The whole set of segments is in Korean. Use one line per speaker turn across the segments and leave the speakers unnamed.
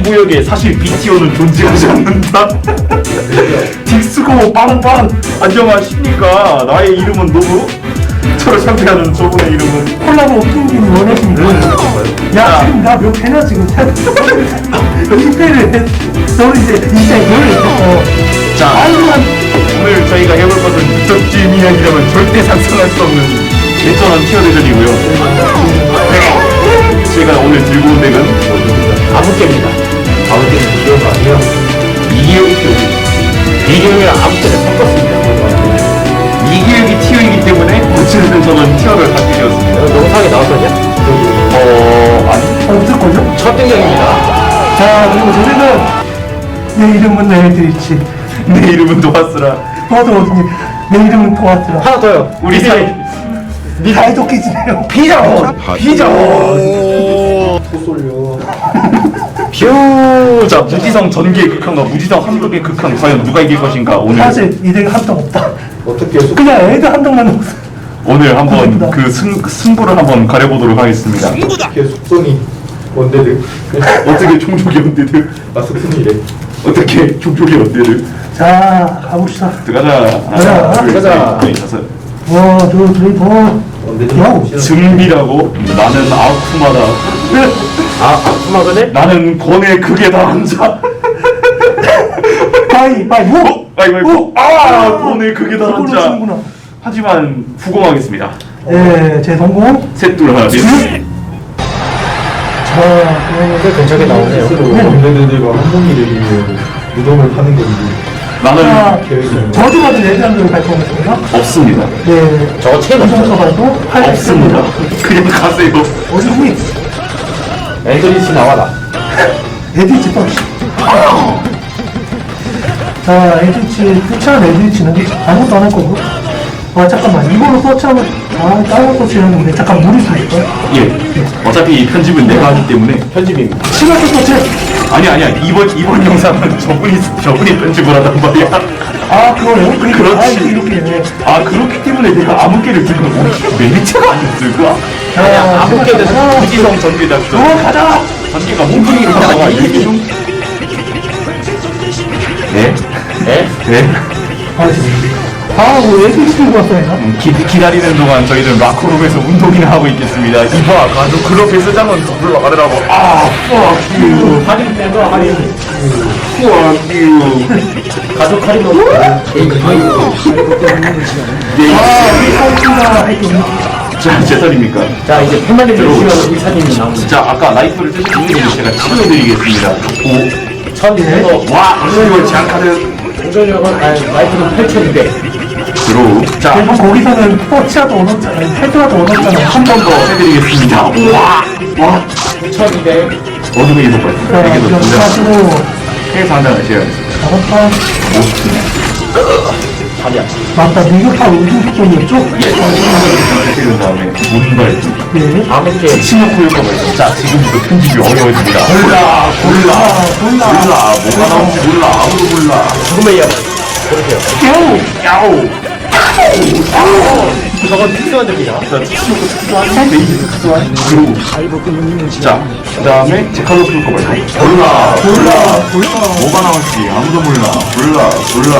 구역에 사실 BTO는 존재하지 않는다. 딕스고 빵빵 안녕하십니까. 나의 이름은 누구? 저를 상대하는 저분의 이름은
콜라보 킹님 원하십니까? 야 지금 나 몇 회나 지금 10회를 너는 이제 뭘
자 오늘 저희가 해볼 것은 유적지 미녀이라면 절대 상상할 수 없는 대전한 티어 대전이고요. 제가 오늘 들고 온 덱은
아무개입니다. 아무개는 비교가 아니에요. 이기혁이 비교이랑 아무개를 섞었습니다.
이기혁이 티어이기 때문에 어찌됐든 저는 티어를 갖게 되었습니다.
영상에 나왔었냐?
아니
없을 거죠?
첫 등장입니다.
자 그리고 저희는 내 이름은 내드리치
내 이름은 도하스라.
너도 어디니? 내 이름은 토마스라
하나 더요.
우리 사이
사이좋게지내요
피자원! 피자원!
자 무지성 전개 극한과 무지성 함덕의 극한 과연 누가 이길 것인가 오늘
사실 이 덱은 한턱 없다
어떻게
그냥 애드 한 턱만 없어
오늘 한번 그 승부를 한번 가려보도록 하겠습니다.
이렇게 속성이 원대들
어떻게 종족이 언제들
속성이래.
어떻게 종족이 언제들
자 가봅시다
들어가자.
가자.
들어가자.
와 저 저희 더 야우
증비라고 나는 아쿠마다.
아쿠마그네?
나는 권의 극에 달한 자.
가위바위보
아이고 권의 극에 달한
이걸로
자.
치는구나
하지만 후공하겠습니다.
예제 성공
셋둘 하나 셋.
자 그러면
꽤 근처에 나오네요.
원래들과 한동이 되기 위해 무덤을 파는 건지
나는
자
계획이
저주받은 애드한들을 발표하겠습니다
없습니다.
네
저거 체인 없죠?
이정도 발표
없습니다. 그냥 가세요.
어디니?
앤드리치 나와라.
에디치 또 자 에디치 투치한 에디치는 아무것도 안 할 거고 아 잠깐만 이걸로 서치하면 다른 서치하는데 잠깐 무리 수 있을까?
예. 어차피 편집은 내가 하기 때문에
편집입니다.
시간도 서치
아니야 이번 영상은 저분이 편집을 하단 말이야.
아 그거요?
그렇지.
아 이렇게
아 그렇기 때문에 내가 아무개를 들고 매니체가 아니었을까?
자
아무개는
무지성 전개 작전.
가자
전개가 몸뚱이로 나와 이렇게 좀. 네?
네?
네?
아뭐 에디치 들고 왔어요
기다리는 동안 저희는 마크룸에서 운동이나 하고 있겠습니다. 이봐 가족 클럽 헬스장은 더 불러가더라고. fuck you.
할인 빼고 할인.
fuck you.
가족 할인도.
자, 제 턴입니까?
자 이제 팬만님 주시면 의사님이 나옵니다.
자, 아까 라이프를 쓰시는 제가 치료해드리겠습니다. 오,
천에서
와, 이걸 제한카드
공전력은 라이프는 8,200.
들어. 자,
그래도 거기서는 서치라도 얻었잖아 헤드라도 얻었잖아
한 번 더 해드리겠습니다. 와,
2,200.
어둠의 이속발.
자
되게
이런
높습니다.
가지고
해서 한 장을 제외하겠습니다.
잡았다
아니야.
맞다 미국파 우주속도였죠?
예, 해드린 다음에 문발.
네
아무개.
치노코 효과가 있어. 자, 지금부터 편집이 어려워집니다. 몰라. 뭐가 나올지 몰라. 아무도 몰라.
죽음의 이야기. 그러세요.
야오.
저건 특수한 덱이야.
자, 치노코 특수한 베이지 특수한 그리고 자, 그 다음에 제칼로스 효과가 있어. 몰라. 뭐가 나올지 아무도 몰라.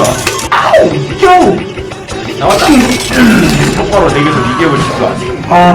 요!
나왔다.
효과로 4개에서 이겨버릴 수 있어.
아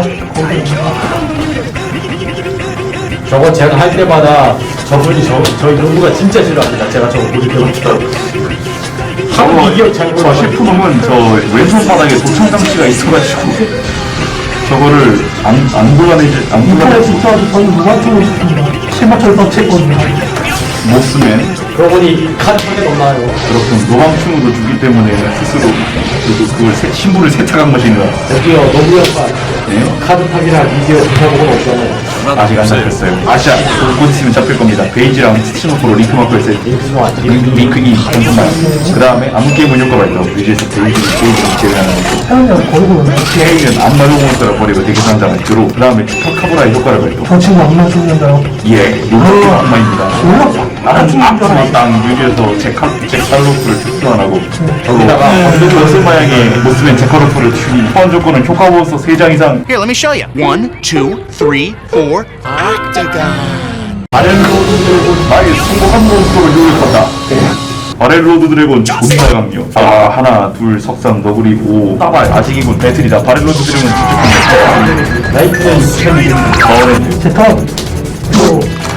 저거 제가 할 때마다 저분이 저희 농구가 진짜 싫어합니다. 제가 저거 보기 때문에. 한국 이기역 잘
저
몰라.
실프놈은 저 왼손 바닥에 도청 장치가 있어가지고 저거를 안 골라내지 안
인터넷
골라내지
진짜로 저희 무관중을 시킵니다 7만짜리 서치했거든요
못 쓰면
그러고 보니 카드 한개 넘나요.
그렇군 노방충으로 주기 때문에 스스로 그걸 신부를 세탁한 것인가.
여기요 농구 역사.
네?
카드 탑이랑 미디어 기사복은 없잖아요.
아직 안 잡혔어요. 아시아 곧 있으면 잡힐 겁니다. 베이지랑 스치노코로 링크 마크 했을 때 링크 2 정도만. 그 다음에 아무 게임은 효과가 있다고 유지해서 베이지를 제외하는 거고
태연이랑 걸고
K는 안마 용몬스터를 버리고 되게 상장을 들어. 그 다음에 카브라의 효과를 발동.
저 친구 안 맞추는데요
예, 노력의 악마입니다.
몰라
나는 악마 땅 유지해서 제칼로프를 특수환하고
거기다가
연습 마약에 못 쓰면 제칼로프를 추니 포함 조건은 효과 보호서 3장 이상.
Here, let me show you. 1, 2, 3, 4. Octagon.
바렐로드 드래곤 나의 성공한 몬스터를 요격한다. 바렐로드 드래곤 존나 강력. 아 하나 둘 석삼 너구리 오 따발 아직이군 배틀이다. 바렐로드 드래곤 직접
라이트는
어렌
제 턴. 이거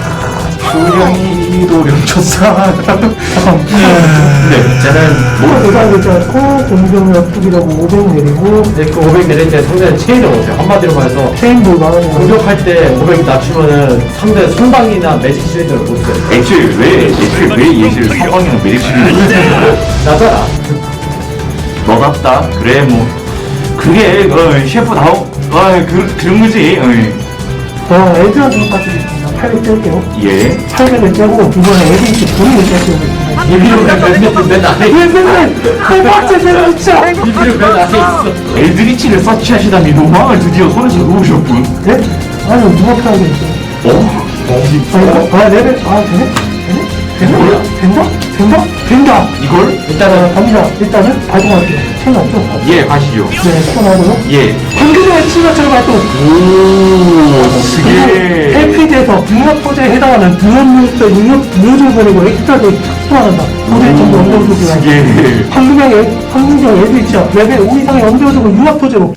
소량이 도령쳤사.
네,
쟤는
뭐 대상이 있잖아. 공격 약속이라고 500 내리고
그 500 내릴 때 상대는 체인을 못해요. 한마디로 말해서
체인도 나가는 거.
공격할 때 500 낮추면은 상대 선방이나 매직 실드를 못 써요.
애초에 왜 예시를 사방이나 매립시를
나잖아.
너답다. 그래 뭐 그게 셰프다워 그런 거지.
애들한테 똑같이 있습니다. 800 뗄게요.
예.
800을 떼고 이번에 애들이 불을 뗄게요.
비비를 맨 안에
왜 맨날 세 번째 진짜.
비비를 맨 안에 있어.
엘드리치를 서치하시다니 노망을 드디어 손에서 놓으셨군.
네? 아니 누가 편하겠어. 레벨 되네? 되네? 된다?
이걸
갑니다. 일단은 발동할게요. 체인 없죠?
예 가시죠.
네, 시원하고요.
예.
방금의 치마처럼 발동.
오 스게.
LPD에서 융합 포제에 해당하는 등원물도 융합 모듈 보내고 엑스트라도 소환한다. 포제 정도 언더우드 기간.
스게.
황금경 LPD야. 레벨 5 이상의 언더우드고 융합 포제로.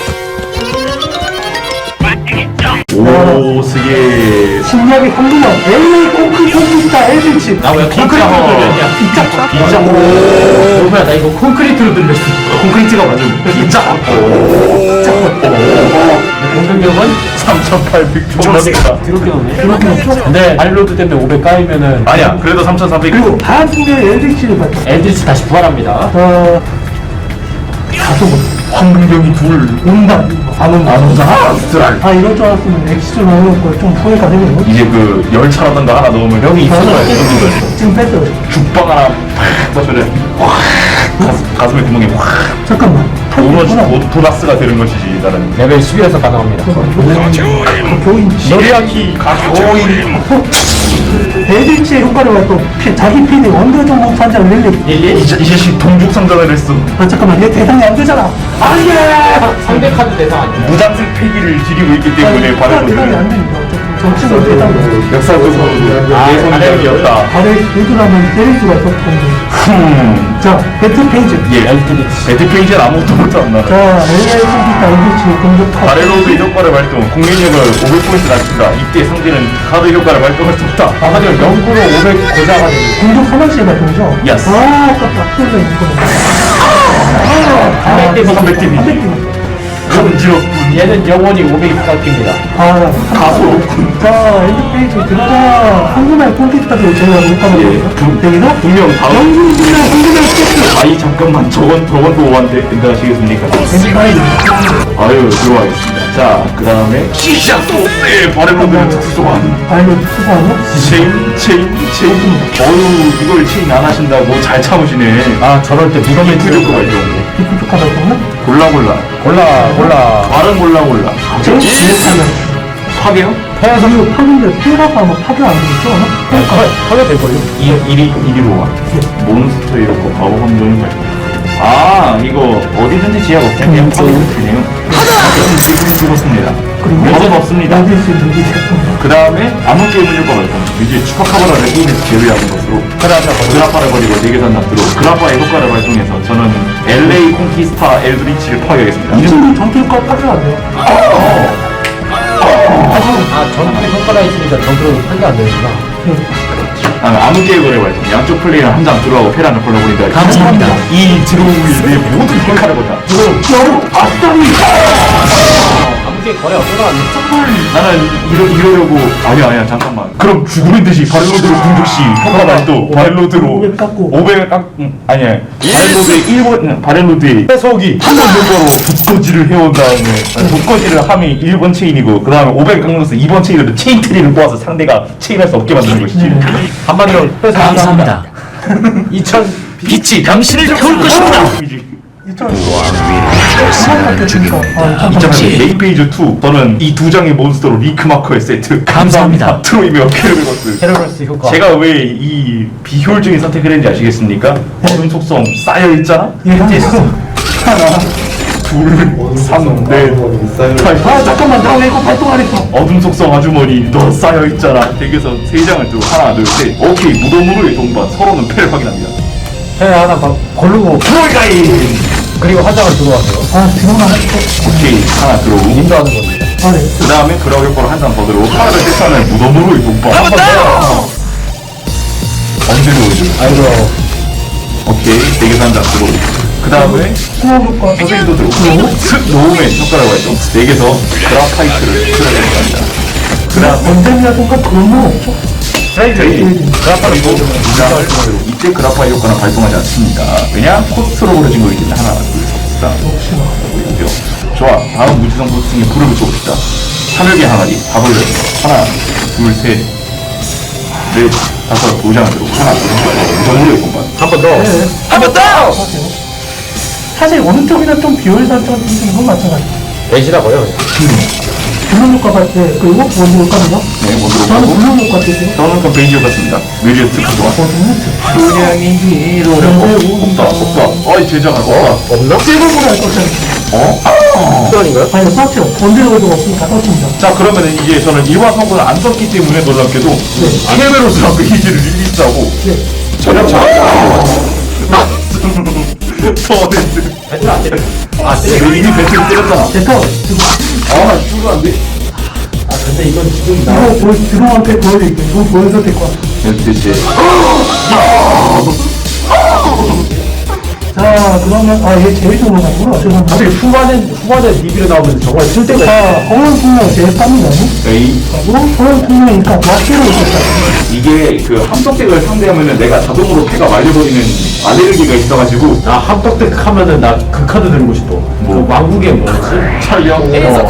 오 스게.
신기하게 황금경 LA 콘크리트다 LPD.
나왜 콘크리트로 들렸냐?
진짜
뭐야 나 이거 콘크리트로 들렸어.
콘크리트가 맞음. 진짜.
공격력은
3,800 존나겠다.
드럽게 넣네.
그렇게 없죠?
근데 발로드 때문에 500 까이면은
아니야 그래도 3,400.
그리고 반승경 LPD를 발동.
엘드리치 다시 부활합니다.
다소
황금경이 둘.
온다. 안 온다.
아스트랄.
이럴 줄 알았으면 엑시전 나오는 걸좀 후회가 되네요.
이제 그 열차라던가 하나 넣으면 형이 있어줘야 돼.
지금 뺐어요.
죽방 하나 팍 맞춰야 가슴에 구멍이 확.
잠깐만.
보너스가 되는 것이지 나는.
레벨 11에서 가능합니다.
교인.
노리아키 가쇼인.
LPD의 효과를 발동. 자기 PD 원더 정복 산장 릴리.
이 자식 동족상전을 했어.
잠깐만 얘 대상이 안 되잖아.
상대 카드 대상 아니야.
무장색 폐기를 지니고 있기 때문에
대상이 안
바렐로드는
되니까. 저 친구 대상이.
역사적으로 내 손님이었다.
발에 일도라면 때릴 수가 있었던 자, 배트 페이지.
예. 배트 페이지는 아무것도 못한다.
자, LA 컴퓨터 LPD 공격 카드.
바렐로드 효과를 발동. 공격력을 500포인트 낮춘다. 이때 상대는 카드 효과를 발동할 수 없다.
한마디로 0으로 500 고자가 됩니다.
공격 소멸시에 발동이죠?
Yes.
아깝다. 소리가 있거든.
300 데미지.
300개.
간지럽군.
얘는 영원히 500이 깎입니다.
가소롭군.
자, 엔드 페이지 들어가. 황금알 콘테스트도 제가 못하는
예.
여기서
분명 다음.
영웅이랑 황금알 세트.
아이 잠깐만 저건 또 오한테 된다시겠습니까?
엔드 파이브.
아유 들어가겠습니다. 자 그 다음에 시작소스의 바렐로드는 특수 소환.
아이고, 수고하네.
체인. 어유 이걸 체인 안 하신다고 잘 참으시네.
아 저럴 때 무덤에
투조커가 있는데.
디프토카 발동은?
골라. 말은 골라.
제일 못하면.
파괴요?
그리고 파괴인데 피해라고 하면 파괴 안 되겠죠?
하게 될걸요?
1위로 와. 몬스터 이렇고 바보 감정이 발동. 아 이거 어디든지 지하가 없어요. 그냥 파괴도 되네요. 지금 죽었습니다.
그리고
몇은 없습니다.
여기서 누기
그 다음에 아무 게임을 효과가 있다. 이제 추파카바라를 게임에서 제외하는 것으로 그라파를 버리고 4개 납두로 그라파의 효과를 발동해서 저는 LA 콘키스타 엘드리치를 파괴하겠습니다.
이 친구 전투효과 파괴 안 돼요.
전투 효과가 있으니까 전투로 판가 안 되는구나.
아무 게임을 발동. 양쪽 플레이를 한 장 들어가고 페란을 골라보니까 감사합니다. 이 드로우의 내 모든 효과를 본다.
여러분, 아싸리!
아무게 거래 없어가지고.
나는 이러려고 아니야 잠깐만. 그럼 죽으는 듯이 바렐로드로 공격 시 효과 발동. 바렐로드로
500 깎고.
500을 아니야. 바렐로드의 1번 바렐로드의
해석이
한번 효과로 독거지를 해온 다음에 독거지를 함이 1번 체인이고 그 다음에 500 깎는서 2번 체인으로 체인 트리를 모아서 상대가 체인할 수 없게 만드는 것이지.
한마디로
감사합니다.
2000
빛이 당신을 태울 것입니다.
2장의 메인 페이지 2 저는 이 두 장의 몬스터로 링크 마커의 세트
감사합니다.
트로이며 케르베거스.
헤르메스 효과.
제가 왜 이 비효율적인 선택을 했는지 아시겠습니까? 어둠 속성 쌓여있잖아?
예, 하나.
둘, 3, 넷.
아 잠깐만 나 왜 이거 발동 안 했어?
어둠 속성 아주머니 너 쌓여있잖아. 덱에서 3장을 들고 하나 둘셋 오케이 무덤으로의 동반. 서로는 패를 확인합니다.
해 하나 고르고
프로이가인.
그리고 한 장을 들어왔어요.
아 지금 안 했어.
오케이 하나 들어오고
인도하는 겁니다.
아 네.
그 다음에 그라우 효과를 한 장 더 들어오고 하나를 세차는 무덤으로의 동반. 한번 더! 언제 들어오죠?
아이고
오케이 4개 한장 들어오고 그 다음에
수업 효과.
선생님도 들어오고 슥 놓음의 효과라고 했죠. 4개서 그라파이트를 수락해줍니다. 그 다음
언제냐든가 그런 건 없죠?
트레이드 그리고 2장을 이때 그라파이 효과는 발동하지 않습니다. 왜냐? 코스트로 그려진 거기 때문에 하나 둘셋
역시나.
있고요. 좋아. 다음 무지성 보스팅에 불을 붙여봅시다. 하늘개 항아리 다 돌려요. 하나, 둘, 셋, 넷, 다섯, 5장을 들고 하나, 둘, 셋, 무덤으로의 공간.
한 번 더.
한 번 더!
사실 어느 쪽이나 좀 비효율 설정을 주는 건 마찬가지.
배시라고요.
블루 효과 같아. 그리고 원주 효과는요?
네, 뭐
저는
들어가고.
블루 효과 때문에.
저는 그 베이지오 같습니다. 뮤지의 스티커 좋아. 그냥이 위로 없다. 어이, 제자가 없다.
없나?
세븐으로 할 것이야.
어?
수원인가요?
아니, 서치로. 원주를 가지고 없으니까 서치입니다.
자, 그러면은 이제 저는 이화 성분을 안 썼기 때문에 놀랍게도 케베로스랑 베이지를 릴리스하고
네.
전혀 터렌트.
배틀 안 때려.
이미 배틀을 때렸잖아.
제터, 지금
아, 죽으면 안 돼.
아 근데 이건 지금 나.
이거 드롱한테 보여드릴게요. 이거 보여도 될 것 같아요.
대체.
자, 그러면, 얘 제일 좋은 거 같구나. 죄송합니다.
사실 후반에 리뷰에 나오면 정말 쓸 데가
자, 허용 풍량 제일 쌉니다.
에이.
그리고 허용 풍량이니까 와키로 있었다.
이게 그 함덕덱을 상대하면은 내가 자동으로 패가 말려버리는 알레르기가 있어가지고
나 합덕덱 하면은 나 그 카드 들고 싶어. 그 왕국의 뭐지?
촬영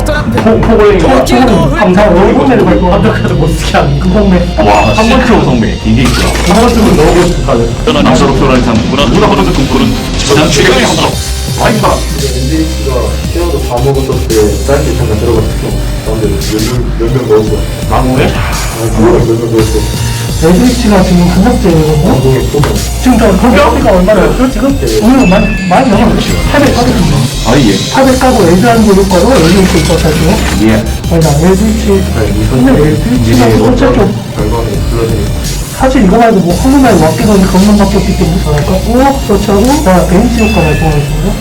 포골랭이가
감사, 월급내를 발동
합덕 카드 못 쓰게 하는 그
금방매.
와 한번쯤 성매 이게 있구나.
한 번쯤은 넣어보고 싶은 카드.
떠난 남서로 떠난 참 문화보다 꿈꾸는 지상 최강의 함덕 와이파.
NDH가 태어도 다 먹었을 때 짧게 잠깐 들어갔어. 근데 몇명 넣었어.
왕국에?
몇명 넣었어.
레드리치가 지금 한석제거든요.
방송에 또
지금 저 금값이가 얼마나요? 지금 오늘 많이 넘어요. 800 까거든요.
아예
800 까고 레드한 거 효과로 레드리치 있었다고요?
예.
아니다, 레드리치. 근데 레드리치가 도대체 좀
결과는 불러주니까.
사실 이거 말고 뭐 한국말 왁기선이 그것만 바뀌었기 때문에 잘할까? 그렇죠. 자, 베인치 효과 발동하겠습니다.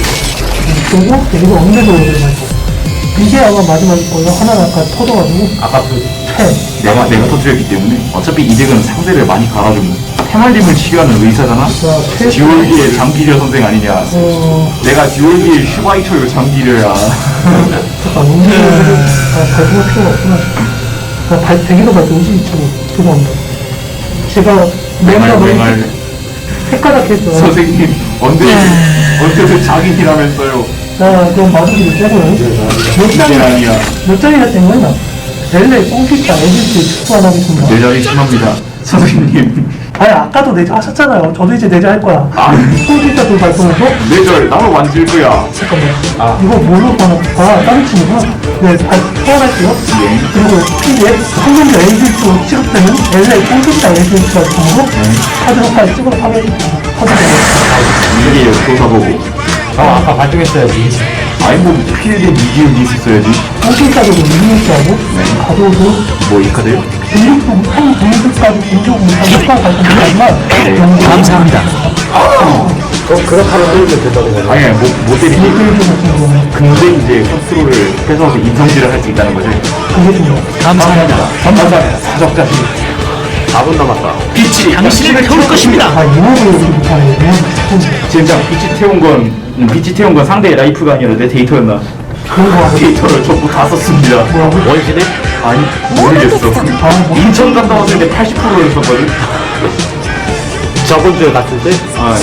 그리고 그리고 엉매도 발동. 이게 아마 마지막일 거예요. 하나는 아까 터져가지고
아까 그
패.
내가 터뜨렸기 때문에 어차피 이 덱은 상대를 많이 갈아주는 해말림을 치료하는 의사잖아.
자, 패.
디올기의 장기려 선생 아니냐. 내가 디올기의 슈바이처요 장기려야.
잠깐 엉매도 발동할 필요가 없구나. 대기도 발동이지 이쪽으로. 죄송합니다. 제가 맹가
맹알.
헷갈하게 했어요.
선생님 언제든 장인이라면서요.
자, 그럼 마주기를 떼고요. 몇
이제
장이,
아니야.
몇 장이나 뗀 거야? 렐레, 뽕피타, 에디스 축소 안 하겠습니다.
내자리 심합니다. 선생님.
아니, 아까도 내자 하셨잖아요. 저도 이제 내자 할 거야. 뽕피타 둘 발동해서?
내절 나로 만질 거야.
잠깐만. 이거 뭘로 봐나? 다른 친구구나. 네, 소환할게요. 그리고 이제 성년자 에디스 취급되는 렐레, 뽕피타, 에디스 발동으로 카드로 파일 찍어서 파괴해줍니다.
이게 조사보고.
아까 발동했어야지.
아니 뭐 필드에 미디움이 있었어야지.
뽕피타도 리니지하고, 가져오고,
뭐 이 카드요?
공격도 한 공격까지 공격은 효과 발동하지만
감사합니다.
그렇게 하면 때리면 된다고 봐.
아니 못 때리지.
일주일 같은 경우는
근데 이제 컨트롤을 뺏어서 인성질을 할 수 있다는 거지.
그게 중요해요.
감사합니다.
감사합니다. 사적자식.
4분 남았다.
빛이 당신을 태울 것입니다.
이모를 여기 못하네.
진짜 빛이 태운 건 상대의 라이프가 아니라 내 데이터였나?
그런 거 같아.
데이터를 전부 다 썼습니다.
뭐라고?
원신에?
아니 모르겠어. 인천 갔다 왔을 때 80%를 썼거든.
저번 주에 갔을 때?
아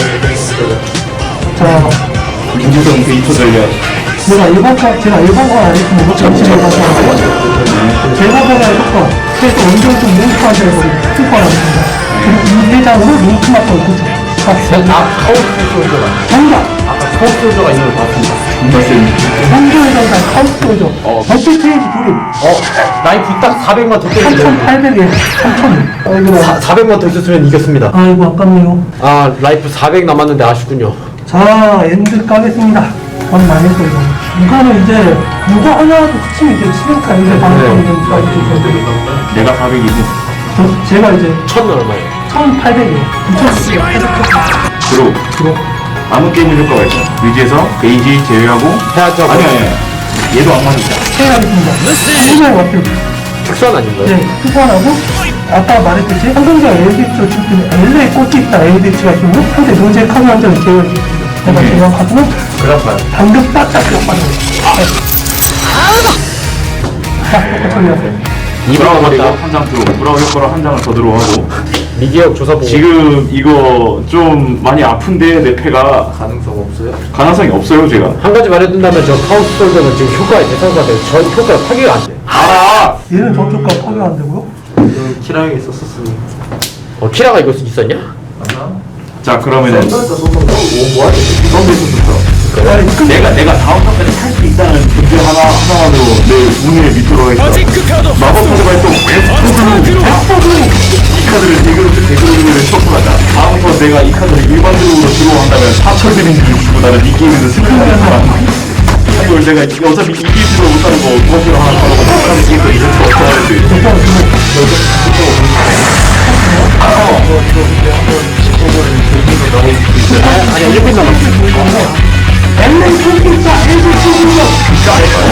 자,
민주성 데이터 전략.
제가 일반 거 알겠습니다. 전체를 가서 제가 보다 효과. 그래서 원정좀 뭉크하셔야 되고, 효과라겠습니다. 그리고 이 회장으로 뭉크만 또 그죠.
카오스 솔저가.
정답!
아까 카오스 솔저가 있는 걸 봤습니다.
정말 센.
원정회장과 카우스 도죠. 버킷 트레이지 둘이.
라이프 딱 400만 더 때리면
3,800에 3,000. 아이고,
400만 더 있었으면 이겼습니다.
아이고, 아깝네요.
아 라이프 400 남았는데 아쉽군요.
자, 엔드 까겠습니다. 많이 했어요. 이거는 이제 이거 하나도 특징이 이제 치명타 이제 방송이 되니까 이제
내가 400이고
제가 이제
천 얼마예요?
1,800이요. 2,800.
들어 아무 게임을 효과가 있어. 위지에서 베이지 제외하고
해야죠.
아니야 얘도 안 맞았다.
체하겠습니다. 한국의 와플.
특수한 아닌가요?
네, 투선하고 아까 말했듯이 상승자 LDH로 칠 때는 L에 꽂혀 있다 LDH가 있으면 상대 노제 카드 한 장을 제외해줍니다. 제가 제외하고
그렇구나.
방금 딱딱 맞아요. 자, 똑같이 처리하세요.
브라우 그리고 한장 들어. 브라우 효과로 한 장을 더 들어하고
미개혁 조사 보고.
지금 이거 좀 많이 아픈데 내 패가
가능성 없어요?
가능성이 없어요 제가.
한 가지 말해둔다면 저 카우스 솔더는 지금 효과에 대상가 돼요. 저 효과가 파괴가 안 돼.
알아.
얘는 저쪽과 파괴 안 되고요.
키랑에 있었으니
키라가 이거 있었냐?
자 그러면은
썬더에서 소송 뭐하지? 썬더 있었어.
내가 다음 판까지 살 수 있다는 존재 하나만으로 내 운의 밑으로 있어. 마법 카드가 또 이 카드를 대그룹을 쳤고 가자. 다음 턴 내가 이 카드를 일반적으로 들어온다면 4,000 데미지를 주고 나는 이 게임에서 승리하는 사람. 이걸 내가 어차피 이기지도 못하는 거 무엇으로 하나 바로 못하는 게임도 이제 더 어떻게 하는데.
아니야 1분 남았어.
LA 콘텐츠 LG 치즈가